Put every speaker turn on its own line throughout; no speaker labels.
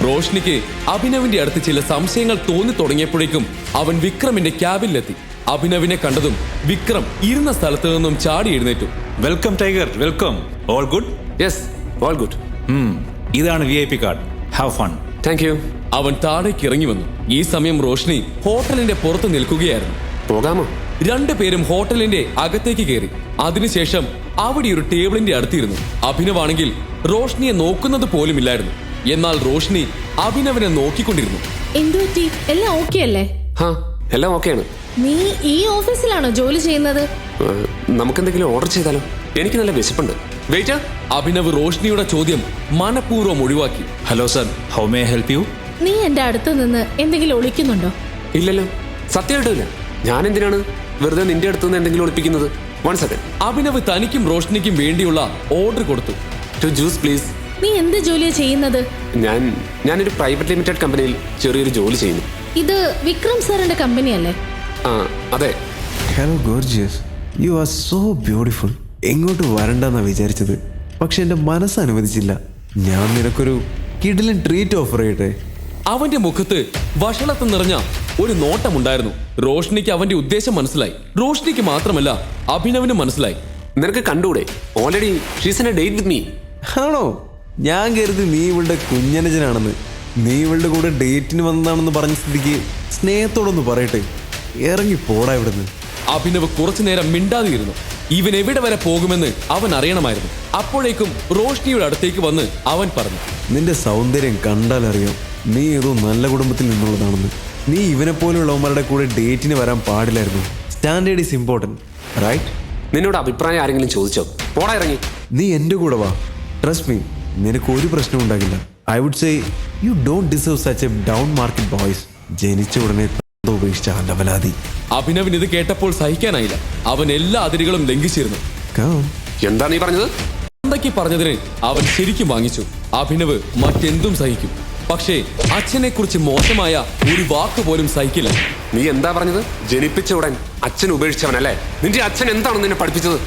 റോഷ്നിക്ക് അഭിനവിന്റെ അടുത്ത് ചില സംശയങ്ങൾ തോന്നി തുടങ്ങിയപ്പോഴേക്കും അവൻ വിക്രമിന്റെ ക്യാബിനിലെത്തി. അഭിനവിനെ കണ്ടതും വിക്രം ഇരുന്ന സ്ഥലത്ത് നിന്നും ചാടി എഴുന്നേറ്റു.
Welcome Tiger, welcome. All good?
Yes, all good.
ഇതാണ് VIP card. Have fun.
Thank you.
അവൻ താഴേക്ക് ഇറങ്ങി വന്നു. ഈ സമയം റോഷ്നി ഹോട്ടലിന്റെ പുറത്ത് നിൽക്കുകയായിരുന്നു.
പോകാമോ?
രണ്ടുപേരും ഹോട്ടലിന്റെ അകത്തേക്ക് കയറി. അതിനുശേഷം അവിടെ ഒരു ടേബിളിന്റെ അടുത്തിരുന്നു. അഭിനവാണെങ്കിൽ റോഷ്നിയെ നോക്കുന്നത് പോലുമില്ലായിരുന്നു. എന്നാൽ റോഷ്നി അഭിനവനെ നോക്കിക്കൊണ്ടിരുന്നു.
എന്തുപറ്റി? എല്ലാം ഓക്കെ അല്ലേ?
ഹാ, എല്ലാം ഓക്കെയാണ്.
നീ ഈ ഓഫീസിലാണോ ജോലി ചെയ്യുന്നത്?
നമുക്കെന്തെങ്കിലും ഓർഡർ ചെയ്താലോ? എനിക്ക് നല്ല വിശപ്പുണ്ട്. വെയിറ്റർ.
അഭിനവ് റോഷ്നിയുടെ ചോദ്യം മനഃപൂർവ്വം ഒഴിവാക്കി.
Hello sir, how may I help you?
നീ എന്റെ അടുത്ത് നിന്ന് എന്തെങ്കിലും ഒളിക്കുന്നുണ്ടോ?
ഇല്ലല്ലോ, സത്യമായിട്ടില്ല. ഞാൻ എന്തിനാണ് വെറുതെ നിന്റെ അടുത്ത് നിന്ന് എന്തെങ്കിലും ഒളിപ്പിക്കുന്നത്? 1 സെക്കൻഡ്.
അഭിനവ് തനിക്കും റോഷ്നിക്കും വേണ്ടിയുള്ള ഓർഡർ കൊടുത്തു.
2 ജ്യൂസ് പ്ലീസ്.
നീ എന്ത് ജോലിയാ ചെയ്യുന്നത്?
ഞാനൊരു പ്രൈവറ്റ് ലിമിറ്റഡ് കമ്പനിയിൽ ചെറിയൊരു ജോലി ചെയ്യുന്നു.
ഇത് വിക്രം സാറിന്റെ കമ്പനി അല്ലേ?
ആ, അതെ.
Hello gorgeous, you are so beautiful. എങ്ങോട്ട് വരണ്ടെന്നാ വിചാരിച്ചത്, പക്ഷെ എൻ്റെ മനസ്സ് അനുവദിച്ചില്ല. ഞാൻ നിനക്കൊരു കിടിലൻ ട്രീറ്റ് ഓഫർ ചെയ്യട്ടെ?
അവന്റെ മുഖത്ത് വഷളത്ത് നിറഞ്ഞ ഒരു നോട്ടമുണ്ടായിരുന്നു. റോഷ്നിക്ക് അവന്റെ ഉദ്ദേശം മനസ്സിലായി. റോഷ്നിക്ക് മാത്രമല്ല, അഭിനവിനും മനസ്സിലായി.
നിനക്ക് കണ്ടൂടെ? Already she's in a date with me.
ആണോ? ഞാൻ കരുതി നീ ഇവളുടെ കുഞ്ഞനുജനാണെന്ന്. നീ ഇവളുടെ കൂടെ ഡേറ്റിന് വന്നതാണെന്ന് പറഞ്ഞ സ്ഥിതിക്ക് സ്നേഹത്തോടൊന്ന് പറയട്ടെ, ഇറങ്ങി പോടാ ഇവിടുന്ന്.
അഭിനവ് കുറച്ചു നേരം മിണ്ടാതിരുന്നു. ഇവൻ എവിടെ വരെ പോകുമെന്ന് അവൻ അറിയണമായിരുന്നു. അപ്പോഴേക്കും റോഷ്നിയുടെ അടുത്തേക്ക് വന്ന് അവൻ പറഞ്ഞു,
നിന്റെ സൗന്ദര്യം കണ്ടാലറിയാം നീ ഏതോ നല്ല കുടുംബത്തിൽ നിന്നുള്ളതാണെന്ന്. നീ ഇവനെ പോലുള്ളവന്മാരുടെ കൂടെ ഡേറ്റിന് വരാൻ പാടില്ലായിരുന്നു. Standard is important, right?
നിന്നോട് അഭിപ്രായം ആരെങ്കിലും ചോദിച്ചോ? പോടാ, ഇറങ്ങി.
നീ എൻ്റെ കൂടെ വാ. ട്രസ്റ്റ് മീ, നിനക്ക് ഒരു പ്രശ്നം ഉണ്ടാകില്ല. I would say you don't deserve such a down market boys. ജനിച്ച ഉടനെ ഉപേക്ഷിച്ച അലവലാതി.
അഭിനവിന് ഇത് കേട്ടപ്പോൾ സഹിക്കാനായില്ല. അവൻ എല്ലാ അതിരുകളും ലംഘിച്ചിരുന്നു.
എന്താ നീ പറഞ്ഞത്?
എന്തൊക്കെ പറഞ്ഞതിന് അവൻ ശരിക്കും വാങ്ങിച്ചു. അഭിനവ് മറ്റെന്തും സഹിക്കും, പക്ഷേ അച്ഛനെ കുറിച്ച് മോശമായ ഒരു വാക്ക് പോലും സഹിക്കില്ല.
നീ എന്താ പറഞ്ഞത്? ജനിപ്പിച്ച ഉടൻ അച്ഛൻ ഉപേക്ഷിച്ചവനല്ലേ? നിന്റെ അച്ഛൻ എന്താണ് നിന്നെ പഠിപ്പിച്ചത്?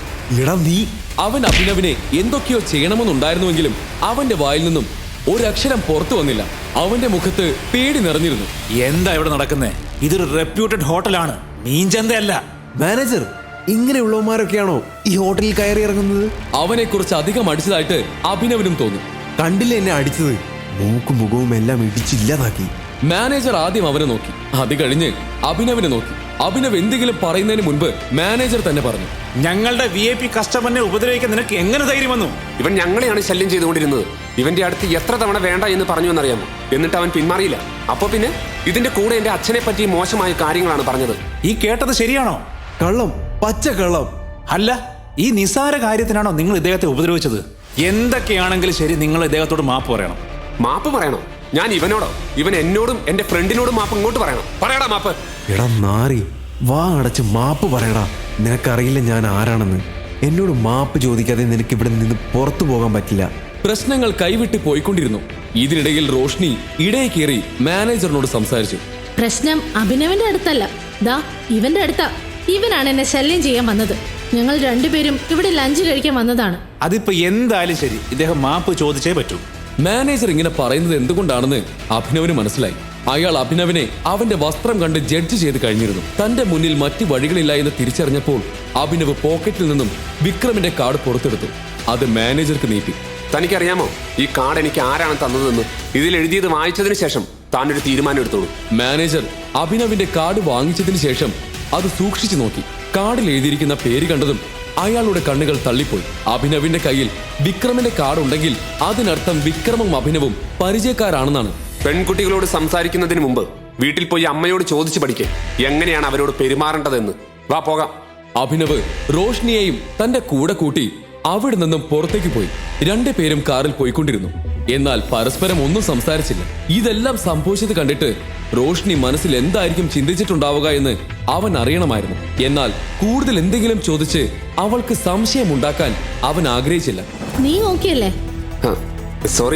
അവൻ അഭിനവിനെ എന്തൊക്കെയോ ചെയ്യണമെന്നുണ്ടായിരുന്നുവെങ്കിലും അവന്റെ വായിൽ നിന്നും ഒരക്ഷരം പുറത്തു വന്നില്ല. അവന്റെ മുഖത്ത് പേടി നിറഞ്ഞിരുന്നു.
എന്താ ഇവിടെ നടക്കുന്നേ? ഇതൊരു റെപ്യൂട്ടഡ് ഹോട്ടലാണ്, മീൻചന്തയല്ല.
മാനേജർ, ഇങ്ങനെയുള്ളവന്മാരൊക്കെയാണോ ഈ ഹോട്ടലിൽ കയറി ഇറങ്ങുന്നത്?
അവനെ കുറിച്ച് അധികം അടിച്ചതായിട്ട് അഭിനവിനും തോന്നി.
കണ്ടില്ല എന്നെ അടിച്ചത്? മൂക്കും മുഖവും എല്ലാം ഇടിച്ചില്ലാതാക്കി.
മാനേജർ ആദ്യം അവനെ നോക്കി, അത് കഴിഞ്ഞ് അഭിനവിനെ നോക്കി. അഭിനവ് എന്തെങ്കിലും പറയുന്നതിന് മുൻപ് മാനേജർ തന്നെ പറഞ്ഞു,
ഞങ്ങളുടെ VIP കസ്റ്റമറിനെ ഉപദ്രവിക്കാൻ നിനക്ക് എങ്ങനെ ധൈര്യം വന്നു?
ഇവൻ ഞങ്ങളെയാണ് ശല്യം ചെയ്തുകൊണ്ടിരുന്നത്. ഇവന്റെ അടുത്ത് എത്ര തവണ വേണ്ട എന്ന് പറഞ്ഞു എന്നറിയാമോ? എന്നിട്ട് അവൻ പിന്മാറിയില്ല. അപ്പൊ പിന്നെ ഇതിന്റെ കൂടെ എന്റെ അച്ഛനെ പറ്റി മോശമായ കാര്യങ്ങളാണ് പറഞ്ഞത്.
ഈ കേട്ടത് ശരിയാണോ?
കള്ളം, പച്ച കള്ളം.
അല്ല, ഈ നിസാര കാര്യത്തിനാണോ നിങ്ങൾ ഇദ്ദേഹത്തെ ഉപദ്രവിച്ചത്? എന്തൊക്കെയാണെങ്കിലും ശരി, നിങ്ങൾ ഇദ്ദേഹത്തോട് മാപ്പ് പറയണം.
മാപ്പ് പറയണോ? ഞാൻ ഇവനോടോ? ഇവൻ എന്നോടും എന്റെ ഫ്രണ്ടിനോടും മാപ്പ് ഇങ്ങോട്ട് പറയണം. പറയടാ മാപ്പ്.
എടാ നാറി, വാ അടച്ച് മാപ്പ് പറയടാ. നിനക്കറിയില്ല ഞാൻ ആരാണെന്ന്. എന്നോട് മാപ്പ് ചോദിക്കാതെ നിനക്ക് ഇവിടെ നിന്ന് പുറത്തു പോകാൻ പറ്റില്ല.
പ്രശ്നങ്ങൾ കൈവിട്ട് പോയിക്കൊണ്ടിരുന്നു. ഇതിനിടയിൽ റോഷ്നി ഇടയിൽ കയറി മാനേജറിനോട് സംസാരിച്ചു.
പ്രശ്നം അഭിനവന്റെ അടുത്തല്ല, ദാ ഇവന്റെ അടുത്താ. ഇവനാണ് എന്നെ ശല്യം ചെയ്യാൻ വന്നത്. ഞങ്ങൾ രണ്ടുപേരും ഇവിടെ ലഞ്ച് കഴിക്കാൻ വന്നതാണ്.
അതിപ്പോ എന്തായാലും ശരി, ഇദ്ദേഹം മാപ്പ് ചോദിച്ചേ പറ്റൂ.
മാനേജർ ഇങ്ങനെ പറയുന്നത് എന്തുകൊണ്ടാണെന്ന് അഭിനവിന് മനസ്സിലായി. അയാൾ അഭിനവിനെ അവന്റെ വസ്ത്രം കണ്ട് ജഡ്ജ് ചെയ്ത് കഴിഞ്ഞിരുന്നു. തന്റെ മുന്നിൽ മറ്റു വഴികളില്ല എന്ന് തിരിച്ചറിഞ്ഞപ്പോൾ അഭിനവ് പോക്കറ്റിൽ നിന്നും വിക്രമിന്റെ കാർഡ് പുറത്തെടുത്തു. അത് മാനേജർക്ക് നീട്ടി.
തനിക്കറിയാമോ ഈ കാർഡ് എനിക്ക് ആരാണ് തന്നതെന്ന്? ഇതിൽ എഴുതിയത് വായിച്ചതിന് ശേഷം താനൊരു തീരുമാനം എടുത്തോളൂ.
മാനേജർ അഭിനവിന്റെ കാർഡ് വാങ്ങിച്ചതിന് ശേഷം അത് സൂക്ഷിച്ചു നോക്കി. കാർഡിൽ എഴുതിയിരിക്കുന്ന പേര് കണ്ടതും അയാളുടെ കണ്ണുകൾ തള്ളിപ്പോയി. അഭിനവിന്റെ കയ്യിൽ വിക്രമിന്റെ കാർഡ് ഉണ്ടെങ്കിൽ അതിനർത്ഥം വിക്രമും അഭിനവും പരിചയക്കാരാണെന്നാണ്.
പെൺകുട്ടികളോട് സംസാരിക്കുന്നതിന് മുമ്പ് വീട്ടിൽ പോയി അമ്മയോട് ചോദിച്ചു പഠിക്കേ എങ്ങനെയാണ് അവരോട് പെരുമാറേണ്ടതെന്ന്. വാ പോകാം.
അഭിനവ് റോഷ്നിയെയും തന്റെ കൂടെ കൂട്ടി അവിടെ നിന്നും പുറത്തേക്ക് പോയി. രണ്ടുപേരും കാറിൽ പോയിക്കൊണ്ടിരുന്നു. എന്നാൽ പരസ്പരം ഒന്നും സംസാരിച്ചില്ല. ഇതെല്ലാം സംഭവിച്ചത് കണ്ടിട്ട് റോഷ്നി മനസ്സിൽ എന്തായിരിക്കും ചിന്തിച്ചിട്ടുണ്ടാവുക എന്ന് അവൻ അറിയണമായിരുന്നു. എന്നാൽ കൂടുതൽ എന്തെങ്കിലും ചോദിച്ച് അവൾക്ക് സംശയമുണ്ടാക്കാൻ അവൻ ആഗ്രഹിച്ചില്ല.
നീ ഓക്കെ അല്ലേ?
സോറി,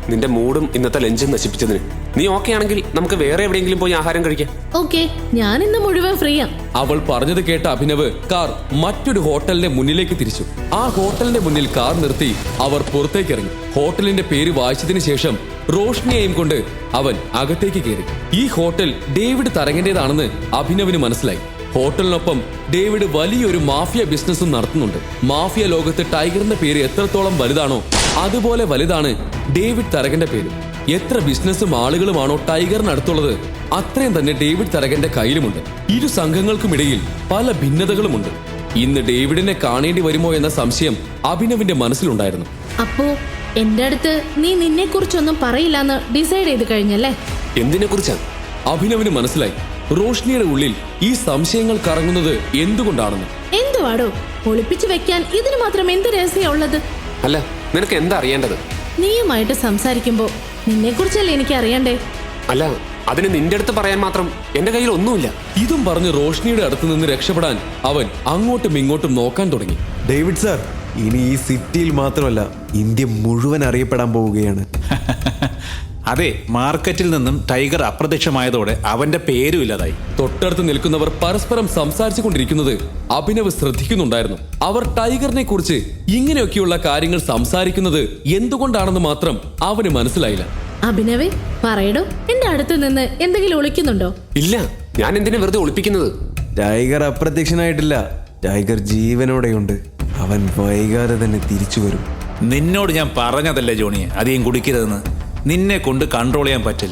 നിന്റെ മൂഡും ഇന്നത്തെ ലഞ്ചും നശിപ്പിച്ചതിന്. നീ ഓക്കെ ആണെങ്കിൽ നമുക്ക് വേറെ എവിടെയെങ്കിലും പോയി ആഹാരം കഴിക്കാം.
ഓക്കെ, ഞാൻ ഇന്ന് മുഴുവൻ ഫ്രീയാ.
അവൾ പറഞ്ഞത് കേട്ട അഭിനവ് കാർ മറ്റൊരു ഹോട്ടലിന്റെ മുന്നിലേക്ക് തിരിച്ചു. ആ ഹോട്ടലിന്റെ മുന്നിൽ കാർ നിർത്തി അവർ പുറത്തേക്ക് ഇറങ്ങി. ഹോട്ടലിന്റെ പേര് വായിച്ചതിന് ശേഷം റോഷ്നിയെയും കൊണ്ട് അവൻ അകത്തേക്ക് കയറി. ഈ ഹോട്ടൽ ഡേവിഡ് തരകന്റേതാണെന്ന് അഭിനവിന് മനസ്സിലായി. ഹോട്ടലിനൊപ്പം ഡേവിഡ് വലിയൊരു മാഫിയ ബിസിനസ്സും നടത്തുന്നുണ്ട്. മാഫിയ ലോകത്ത് ടൈഗറിന്റെ പേര് എത്രത്തോളം വലുതാണോ അതുപോലെ വലുതാണ് ഡേവിഡ് തരകന്റെ പേര്. എത്ര ബിസിനസ്സും ആളുകളുമാണോ ടൈഗറിനടുത്തുള്ളത് അത്രയും തന്നെ ഡേവിഡ് തരകന്റെ കയ്യിലുമുണ്ട്. ഇരു സംഘങ്ങൾക്കുമിടയിൽ പല ഭിന്നതകളുമുണ്ട്. ഇന്ന് ഡേവിഡിനെ കാണേണ്ടി വരുമോ എന്ന സംശയം അഭിനവിന്റെ മനസ്സിലുണ്ടായിരുന്നു.
അപ്പോ എന്റെ അടുത്ത് നീ നിന്നെ കുറിച്ചൊന്നും പറയില്ലെന്ന് ഡിസൈഡ് ചെയ്ത് കഴിഞ്ഞല്ലേ?
എന്തിനെ കുറിച്ചാണ്?
അഭിനവിന് മനസ്സിലായി റോഷ്നിയുടെ ഉള്ളിൽ ഈ സംശയങ്ങൾ കറങ്ങുന്നത് എന്തുകൊണ്ടാണെന്ന്.
എന്തുവാടോ ഒളിപ്പിച്ചു വെക്കാൻ ഇതിന് മാത്രം എന്ത് രഹസ്യം ഉള്ളത്?
അല്ല, നിനക്ക് എന്താ അറിയേണ്ടത്?
നീയുമായിട്ട് സംസാരിക്കുമ്പോ നിന്നെ കുറിച്ചല്ലേ എനിക്ക് അറിയണ്ടേ?
അല്ല, അതിന് നിന്റെ അടുത്ത് പറയാൻ മാത്രം എന്റെ കയ്യിൽ ഒന്നുമില്ല.
ഇതും പറഞ്ഞ് റോഷ്നിയുടെ അടുത്ത് നിന്ന് രക്ഷപ്പെടാൻ അവൻ അങ്ങോട്ടും ഇങ്ങോട്ടും നോക്കാൻ തുടങ്ങി.
ഡേവിഡ് സാർ, ഇനി ഈ സിറ്റിയിൽ മാത്രമല്ല ഇന്ത്യ മുഴുവൻ അറിയപ്പെടാൻ പോവുകയാണ്.
അതെ, മാർക്കറ്റിൽ നിന്നും ടൈഗർ അപ്രത്യക്ഷമായതോടെ അവന്റെ പേരും ഇല്ലാതായി.
തൊട്ടടുത്ത് നിൽക്കുന്നവർ പരസ്പരം സംസാരിച്ചു കൊണ്ടിരിക്കുന്നത് അഭിനവ് ശ്രദ്ധിക്കുന്നുണ്ടായിരുന്നു. അവർ ടൈഗറിനെ കുറിച്ച് ഇങ്ങനെയൊക്കെയുള്ള കാര്യങ്ങൾ സംസാരിക്കുന്നത് എന്തുകൊണ്ടാണെന്ന് മാത്രം അവന് മനസ്സിലായില്ല.
അഭിനവേ, പറയടോ, എന്റെ അടുത്ത് നിന്ന് എന്തെങ്കിലും ഒളിക്കുന്നുണ്ടോ?
ഇല്ല, ഞാൻ എന്തിനാ വെറുതെ ഒളിപ്പിക്കുന്നത്?
ടൈഗർ അപ്രത്യക്ഷനായിട്ടില്ല. ടൈഗർ ജീവനോടെയുണ്ട്. അവൻ വൈകാതെ തന്നെ തിരിച്ചു വരും.
നിന്നോട് ഞാൻ പറഞ്ഞതല്ലേ ജോണിയെ അധികം കുടിക്കരുതെന്ന്. നിന്നെ കൊണ്ട് കൺട്രോൾ ചെയ്യാൻ പറ്റില്ല.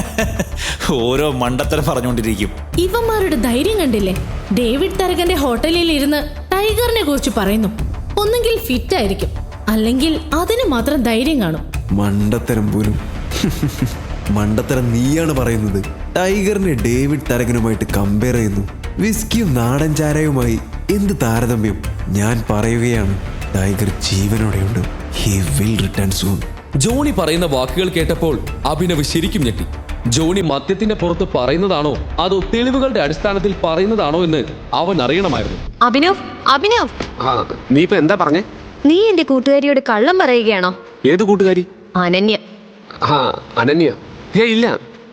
ഓരോ മണ്ടത്തരം പറഞ്ഞുകൊണ്ടിരിക്കും.
ഇവന്മാരുടെ ധൈര്യം കണ്ടില്ലേ? ഡേവിഡ് തരകന്റെ ഹോട്ടലിൽ ഇരുന്ന് ടൈഗറിനെ കുറിച്ച് പറയുന്നു. ഒന്നെങ്കിൽ ഫിറ്റ് ആയിരിക്കും, അല്ലെങ്കിൽ അതിന് മാത്രം ധൈര്യം കാണും.
മണ്ടത്തരം പോലും. മണ്ടത്തരം നീയാണ് പറയുന്നത്. ടൈഗറിനെ ഡേവിഡ് തരകനുമായിട്ട് കമ്പയർ ചെയ്യുന്നു. വിസ്കിയും നാടൻ ചാരയുമായി എന്ത് താരതമ്യം? ഞാൻ പറയുകയാണ്, ടൈഗർ ജീവനോടെയുണ്ട്. He will return soon.
Johnny പറയുന്ന വാക്കുകൾ കേട്ടപ്പോൾ അഭിനവ് ശരിക്കും ഞെട്ടി. ജോണി മദ്യത്തിന്റെ പുറത്ത് പറയുന്നതാണോ അതോ തെളിവുകളുടെ അടിസ്ഥാനത്തിൽ പറയുന്നതാണോ എന്ന് അവൻ അറിയണമായിരുന്നു.
അഭിനവ്,
നീ ഇപ്പൊ എന്താ പറഞ്ഞേ?
നീ എന്റെ കൂട്ടുകാരിയോട് കള്ളം പറയുകയാണോ?
ഏത് കൂട്ടുകാരി?
അനന്യ.
അനന്യ? ഇല്ല,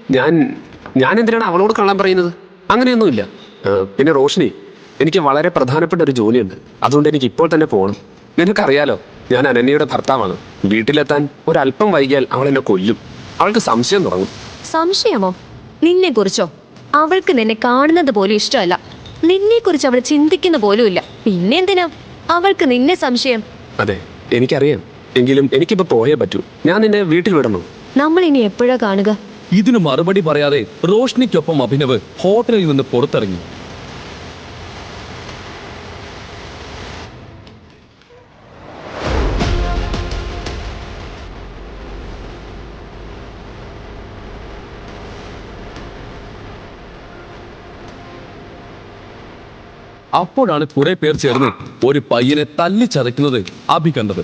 ഞാൻ എന്തിനാണ് അവളോട് കള്ളം പറയുന്നത്? അങ്ങനെയൊന്നുമില്ല. പിന്നെ റോഷ്നി, എനിക്ക് വളരെ പ്രധാനപ്പെട്ട ഒരു ജോലിയുണ്ട്. അതുകൊണ്ട് എനിക്ക് ഇപ്പോൾ തന്നെ പോകണം. നിനക്കറിയാലോ, ഞാൻ അനന്യയുടെ ഭർത്താവാണ്. വീട്ടിലെത്താൻ ഒരല്പം വൈകിയാൽ അവൾ എന്നെ കൊല്ലും. അവൾക്ക് സംശയം തുടങ്ങും.
സംശയമോ? നിന്നെ കുറിച്ചോ? അവൾക്ക് നിന്നെ കാണുന്നത് പോലും ഇഷ്ടമല്ല. നിന്നെ കുറിച്ച് അവൾ ചിന്തിക്കുന്ന പോലുമില്ല. പിന്നെന്തിനാ അവൾക്ക് നിന്നെ സംശയം?
അതെ, എനിക്കറിയാം. എങ്കിലും എനിക്കിപ്പോ പോയേ പറ്റൂ. ഞാൻ നിന്നെ വീട്ടിൽ വിടണോ?
നമ്മൾ ഇനി എപ്പോഴാ കാണുക?
ഇതിന് മറുപടി പറയാതെ റോഷ്നിക്കൊപ്പം അഭിനവ് ഹോട്ടലിൽ നിന്ന് പുറത്തിറങ്ങി. അപ്പോഴാണ് കുറെ പേർ ചേർന്ന് ഒരു പയ്യനെ തല്ലിച്ചതയ്ക്കുന്നത് അഭി കണ്ടത്.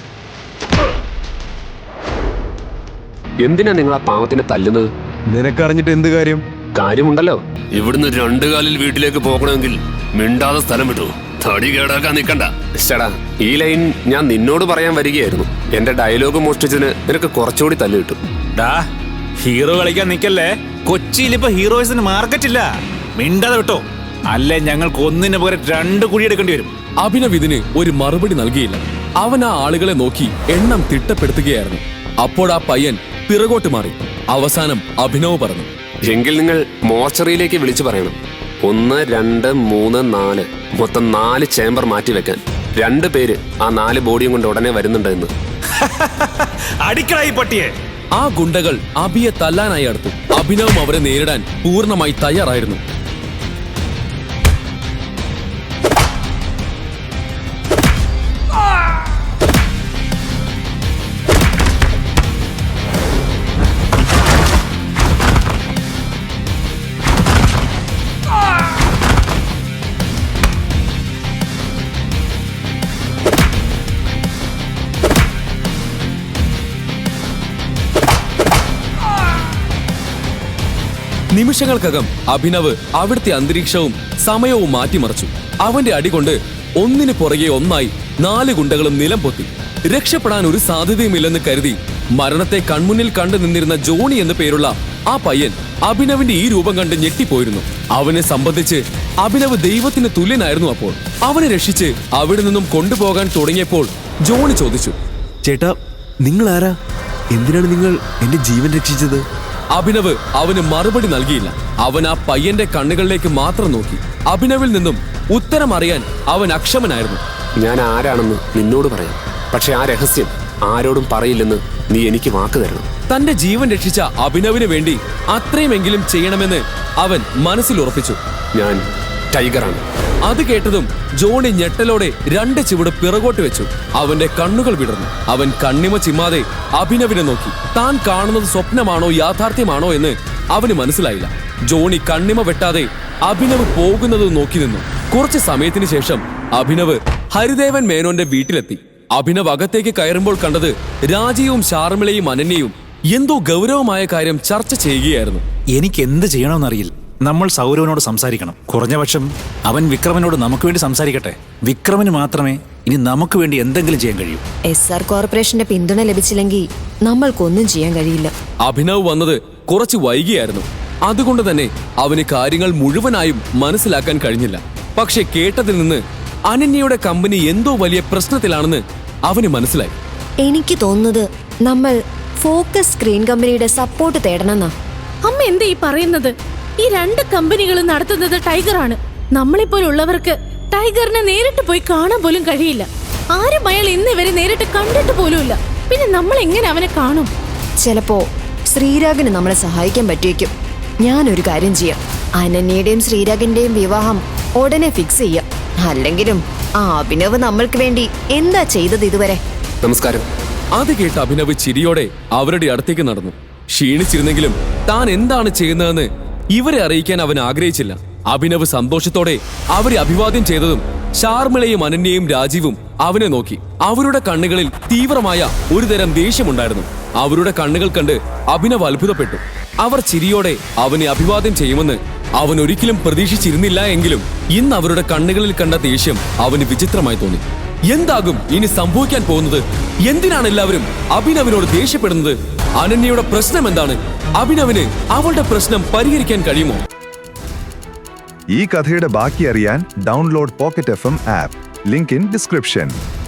എന്തിനാ നിങ്ങൾ ആ പാവത്തിനെ തല്ലുന്നത്?
നിനക്കറിഞ്ഞിട്ട് എന്ത് കാര്യം?
കാര്യമുണ്ടല്ലോ. ഇവിടുന്ന് 2 കാലിൽ വീട്ടിലേക്ക് പോകണമെങ്കിൽ മിണ്ടാതെ സ്ഥലം വിട്ടു. തടി കേടാക്കാൻ നിൽക്കണ്ട. ചേടാ, ഈ ലൈൻ ഞാൻ നിന്നോട് പറയാൻ വരികയായിരുന്നു. എന്റെ ഡയലോഗ് മോഷ്ടിച്ചതിന് നിനക്ക് കുറച്ചുകൂടി തല്ല് കിട്ടും.
ഡാ, ഹീറോ കളിക്കാൻ നിൽക്കല്ലേ. കൊച്ചിയിൽ ഇപ്പൊ ഹീറോയിസിന് മാർക്കറ്റില്ല. മിണ്ടാതെ വിട്ടോ, അല്ലേ ഞങ്ങൾക്ക് ഒന്നിന് പകരം 2 കുഴി എടുക്കേണ്ടി വരും.
അഭിനവ് ഇതിന് ഒരു മറുപടി നൽകിയില്ല. അവൻ ആ ആളുകളെ നോക്കി എണ്ണം തിട്ടപ്പെടുത്തുകയായിരുന്നു. അപ്പോൾ ആ പയ്യൻ പിറകോട്ട് മാറി. അവസാനം അഭിനവ് പറഞ്ഞു,
എങ്കിൽ നിങ്ങൾ മോർച്ചറിയിലേക്ക് വിളിച്ചു പറയണം. 1, 2, 3, 4 മൊത്തം 4 ചേംബർ മാറ്റി വെക്കാൻ. 2 പേര് ആ 4 ബോഡിയും കൊണ്ട് ഉടനെ വരുന്നുണ്ട് എന്ന്.
അടിക്കടായി പട്ടിയെ.
ആ ഗുണ്ടകൾ അഭിയെ തല്ലാനായി അടുത്തു. അഭിനവും അവരെ നേരിടാൻ പൂർണ്ണമായി തയ്യാറായിരുന്നു. നിമിഷങ്ങൾക്കകം അഭിനവ് അവിടുത്തെ അന്തരീക്ഷവും സമയവും മാറ്റിമറിച്ചു. അവന്റെ അടികൊണ്ട് ഒന്നിനു പുറകെ ഒന്നായി 4 ഗുണ്ടകളും നിലം പൊത്തി. രക്ഷപ്പെടാൻ ഒരു സാധ്യതയുമില്ലെന്ന് കരുതി മരണത്തെ കൺമുന്നിൽ കണ്ടു നിന്നിരുന്ന ജോണി എന്നു പേരുള്ള ആ പയ്യൻ അഭിനവിന്റെ ഈ രൂപം കണ്ട് ഞെട്ടിപ്പോയിരുന്നു. അവനെ സംബന്ധിച്ച് അഭിനവ് ദൈവത്തിന് തുല്യനായിരുന്നു. അപ്പോൾ അവനെ രക്ഷിച്ച് അവിടെ നിന്നും കൊണ്ടുപോകാൻ തുടങ്ങിയപ്പോൾ ജോണി ചോദിച്ചു,
ചേട്ടാ, നിങ്ങൾ ആരാ? എന്തിനാണ് നിങ്ങൾ എന്റെ ജീവൻ രക്ഷിച്ചത്?
അഭിനവ് അവന് മറുപടി നൽകിയില്ല. അവൻ ആ പയ്യന്റെ കണ്ണുകളിലേക്ക് മാത്രം നോക്കി. അഭിനവിൽ നിന്നും ഉത്തരം അറിയാൻ അവൻ അക്ഷമനായിരുന്നു.
ഞാൻ ആരാണെന്ന് നിന്നോട് പറയാം, പക്ഷെ ആ രഹസ്യം ആരോടും പറയില്ലെന്ന് നീ എനിക്ക് വാക്ക് തരണം.
തന്റെ ജീവൻ രക്ഷിച്ച അഭിനവിന് വേണ്ടി അത്രയുമെങ്കിലും ചെയ്യണമെന്ന് അവൻ മനസ്സിൽ ഉറപ്പിച്ചു.
ഞാൻ ടൈഗറാണ്.
അത് കേട്ടതും ജോണി ഞെട്ടലോടെ 2 ചുവട് പിറകോട്ട് വെച്ചു. അവന്റെ കണ്ണുകൾ വിടർന്നു. അവൻ കണ്ണിമ ചിമ്മാതെ അഭിനവിനെ നോക്കി. താൻ കാണുന്നത് സ്വപ്നമാണോ യാഥാർത്ഥ്യമാണോ എന്ന് അവന് മനസ്സിലായില്ല. ജോണി കണ്ണിമ വെട്ടാതെ അഭിനവ് പോകുന്നത് നോക്കി നിന്നു. കുറച്ച് സമയത്തിന് ശേഷം അഭിനവ് ഹരിദേവൻ മേനോന്റെ വീട്ടിലെത്തി. അഭിനവ് അകത്തേക്ക് കയറുമ്പോൾ കണ്ടത് രാജയും ശാർമിളയും അനന്യയും എന്തോ ഗൗരവമായ കാര്യം ചർച്ച ചെയ്യുകയായിരുന്നു.
എനിക്ക് എന്ത് ചെയ്യണമെന്നറിയില്ല. നമ്മൾ സൗരവനോട് സംസാരിക്കണം. കുറഞ്ഞപക്ഷം അവൻ വിക്രമനോട് നമുക്ക് വേണ്ടി സംസാരിക്കട്ടെ. വിക്രമന് മാത്രമേ ഇനി നമുക്ക് വേണ്ടി എന്തെങ്കിലും ചെയ്യാൻ കഴിയൂ.
SR കോർപ്പറേഷന്റെ പിന്തുണ ലഭിച്ചില്ലെങ്കിൽ നമ്മൾക്കൊന്നും ചെയ്യാൻ കഴിയില്ല.
അഭിനവ് വന്നത് കുറച്ച് വൈകിയായിരുന്നു. അതുകൊണ്ട് തന്നെ അവന് കാര്യങ്ങൾ മുഴുവനായും മനസ്സിലാക്കാൻ കഴിഞ്ഞില്ല. പക്ഷെ കേട്ടതിൽ നിന്ന് അനന്യയുടെ കമ്പനി എന്തോ വലിയ പ്രശ്നത്തിലാണെന്ന് അവന് മനസ്സിലായി.
എനിക്ക് തോന്നുന്നത് നമ്മൾ ഫോക്കസ് സ്ക്രീൻ കമ്പനിയുടെ സപ്പോർട്ട് തേടണമെന്നാ.
അമ്മ എന്താ ഈ പറയുന്നത്? ഈ 2 കമ്പനികളും നടത്തുന്നത് ടൈഗറാണ്. നമ്മളെപ്പോലുള്ളവർക്ക് ടൈഗറിനെ നേരിട്ട് പോയി കാണാൻ പോലും കഴിയില്ല. ആരും അയാൾ ഇന്നിവരെ നേരിട്ട് കണ്ടിട്ട് പോലുമില്ല. പിന്നെ നമ്മൾ എങ്ങനെ അവനെ കാണും?
ചിലപ്പോ ശ്രീരാഗിന് നമ്മളെ സഹായിക്കാൻ പറ്റിയേക്കും. ഞാനൊരു കാര്യം ചെയ്യാം, അനന്യയുടെയും ശ്രീരാഗിന്റെയും വിവാഹം ഉടനെ ഫിക്സ് ചെയ്യാം. അല്ലെങ്കിലും ആ അഭിനവ് നമ്മൾക്ക് വേണ്ടി എന്താ ചെയ്തത് ഇതുവരെ?
നമസ്കാരം.
അത് കേട്ട് അഭിനവ് ചിരിയോടെ അവരുടെ അടുത്തേക്ക് നടന്നു. ക്ഷീണിച്ചിരുന്നെങ്കിലും താൻ എന്താണ് ചെയ്യുന്നതെന്ന് ഇവരെ അറിയിക്കാൻ അവൻ ആഗ്രഹിച്ചില്ല. അഭിനവ് സന്തോഷത്തോടെ അവരെ അഭിവാദ്യം ചെയ്തതും ശാർമിളയും അനന്യയും രാജീവും അവനെ നോക്കി. അവരുടെ കണ്ണുകളിൽ തീവ്രമായ ഒരുതരം ദേഷ്യമുണ്ടായിരുന്നു. അവരുടെ കണ്ണുകൾ കണ്ട് അഭിനവ് അത്ഭുതപ്പെട്ടു. അവർ ചിരിയോടെ അവനെ അഭിവാദ്യം ചെയ്യുമെന്ന് അവൻ ഒരിക്കലും പ്രതീക്ഷിച്ചിരുന്നില്ല. എങ്കിലും ഇന്ന് അവരുടെ കണ്ണുകളിൽ കണ്ട ദേഷ്യം അവന് വിചിത്രമായി തോന്നി. എന്താകും ഇനി സംഭവിക്കാൻ പോകുന്നത്? എന്തിനാണ് എല്ലാവരും അഭിനവിനോട് ദേഷ്യപ്പെടുന്നത്? അനന്യയുടെ പ്രശ്നം എന്താണ്? അഭിനവിന് അവളുടെ പ്രശ്നം പരിഹരിക്കാൻ കഴിയുമോ?
ഈ കഥയുടെ ബാക്കി അറിയാൻ download Pocket FM app. Link in description.